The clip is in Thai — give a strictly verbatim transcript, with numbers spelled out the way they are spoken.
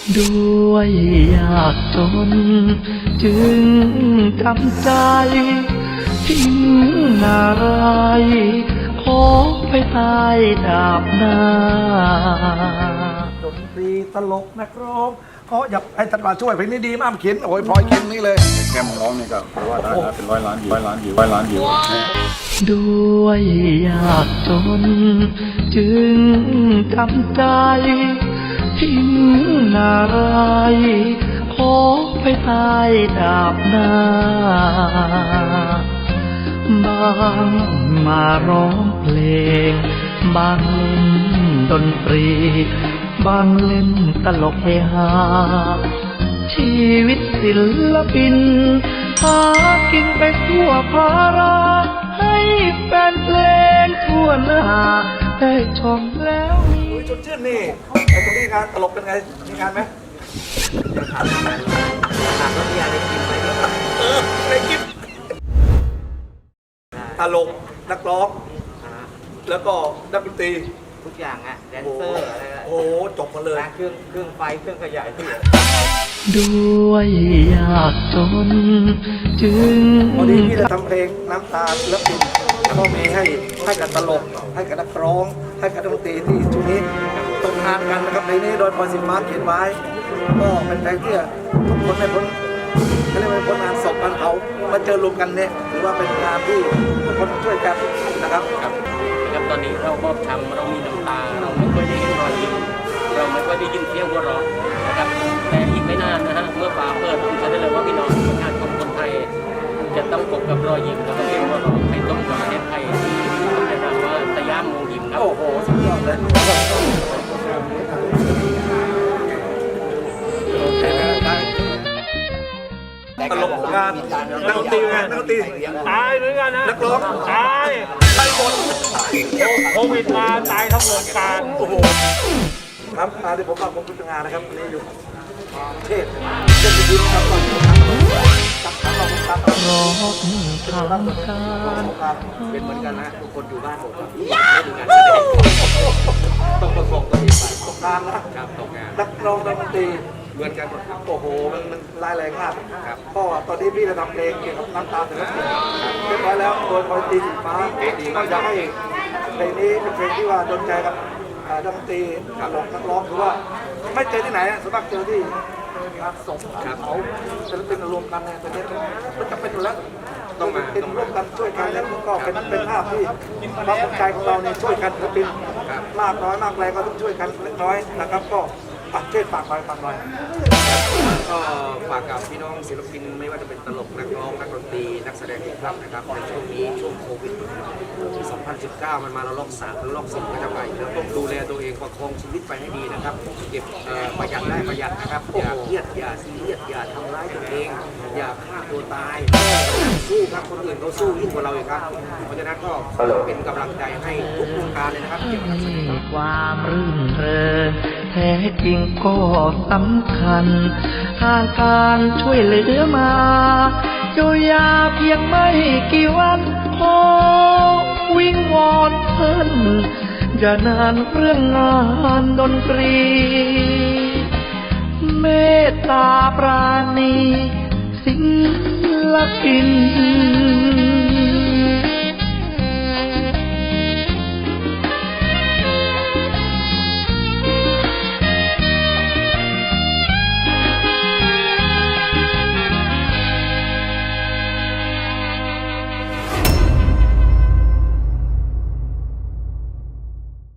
ด้วยยากจนจึงทำใจทิ้งนารายขอไปตายดาบหน้าดนตรีตลกนักร้องเขาอยากให้ท่านมาช่วยเพลงนี้ดีมากเขียนโอ้ยพลอยเขียนนี้เลยแค่มึงร้องนี่ก็แปลว่าได้นะเป็นร้อยล้านวิวร้อยล้านวิวร้อยล้านวิวด้วยยากจนจึงทำใจทิ้งนารายขอไปตายดาบหน้าบางมาร้องเพลงบางเล่นดนตรีบางเล่นตลกเฮฮาชีวิตศิลปินหากินไปทั่วภาราให้แฟนเพลงทั่วหน้าได้ชมแล้วมีชวนชื่นนี่ไอ้ตรงนี้งานตลกเป็นไงมีงานไหมถามถามว่าพี่ยาได้กินไหมเออได้กินตลกนักร้องแล้วก็นักดนตรีทุกอย่างอะแดนเซอร์อะไรโอ้จบมาเลยเครื่องเครื่องไฟเครื่องขยายเสียงด้วยยากจนจึงวันนี้พี่จะทำเพลงน้ำตาศิลปินแล้วก็มีให้ให้กับตลกให้กับนักร้องให้กับดนตรีที่ช่วงนี้ตกงานกันนะครับเพลงนี้โดยพรสินมาเขียนไว้ก็เป็นเพลงที่ทุกคนไม่พ้นเขาเรียกว่าพ้นงานศพงานเผามาเจอรวมกันเนี่ยถือว่าเป็นงานที่ทุกคนช่วยกันนะครับครับนะครับตอนนี้เราบอบช้ำเรามีน้ำตาเราไม่ค่อยได้เห็นรอยยิ้มเราไม่ค่อยได้ยินเสียงหัวเราะนะครับแต่อีกไม่นานนะฮะเมื่อฟ้าเปิดผมจะได้เลยว่าพี่น้องประชาชนคนไทยจะต้องพบกับรอยยิ้มแล้วก็เสียงหัวเราะในต้นประเทศไทยต้องได้รับว่าสยามมงยิ้มครับโอ้โหสุดยอดเลยตลกงานนักดนตรีงานนักดนตรีตายเหมือนกันนะนักร้องตายตายหมดโควิดมาตายทั้งวงการโอ้โหครับงานที่ผมมาผมเป็นงานนะครับนี่อยู่เทศเทศบุญครับตอนนี้ครับทำเราทำเราร้องทางการเป็นเหมือนกันนะทุกคนอยู่บ้านผมครับไม่ดูงานแสดงต้องประกอบตัวเองไปตกงานนะครับตกงานนักร้องนักดนตรีเหมือนกันหมดครับโอ้โหมันมันรายแรงมากครับก็ตอนนี้พี่จะทำเพลงเกี่ยวกับน้ำตาศิลปินเรียบร้อยแล้วโดยพลอยตีสีฟ้าก็อยากให้เพลงนี้เป็นเพลงที่ว่าโดนใจกับดนตรีตลกนักร้องคือว่าไม่เจอที่ไหนส่วนมากเจอที่งานศพเขาศิลปินรวมกันเนี่ยเป็นมันจะเป็นอยู่แล้วต้องมาเป็นร่วมกันช่วยกันแล้วก็เป็นเป็นภาพที่ความสนใจของเราเนี่ยช่วยกันศิลปินมากน้อยมากแรงก็ต้องช่วยกันเล็กน้อยนะครับก็เช่นฝากหน่อยฝากหน่อยก็ฝากกับพี่น้องศิลปินไม่ว่าจะเป็นตลกนักร้องนักดนตรีนักแสดงทุกท่านนะครับในช่วงนี้ช่วงโควิดที่สองพันสิบเก้ามันมาแล้วรอบสามแล้วรอบสี่ก็จะไปแล้วต้องดูแลตัวเองประคองชีวิตไปให้ดีนะครับเก็บประหยัดได้ประหยัดนะครับอย่าเครียดอย่าซีเรียสอย่าทำร้ายตัวเองอย่าฆ่าตัวตายสู้ครับคนอื่นเขาสู้ยิ่งกว่าเราอีกครับเพราะฉะนั้นก็เป็นกำลังใจให้ทุกวงการเลยนะครับเกี่ยวกับความรื่นเริงแท้จริงก็สำคัญทางการช่วยเหลือมาเยียวยาเพียงไม่กี่วันขอวิงวอนเพิ่นอย่านานเรื่องงานดนตรีเมตตาปราณีศิลปิน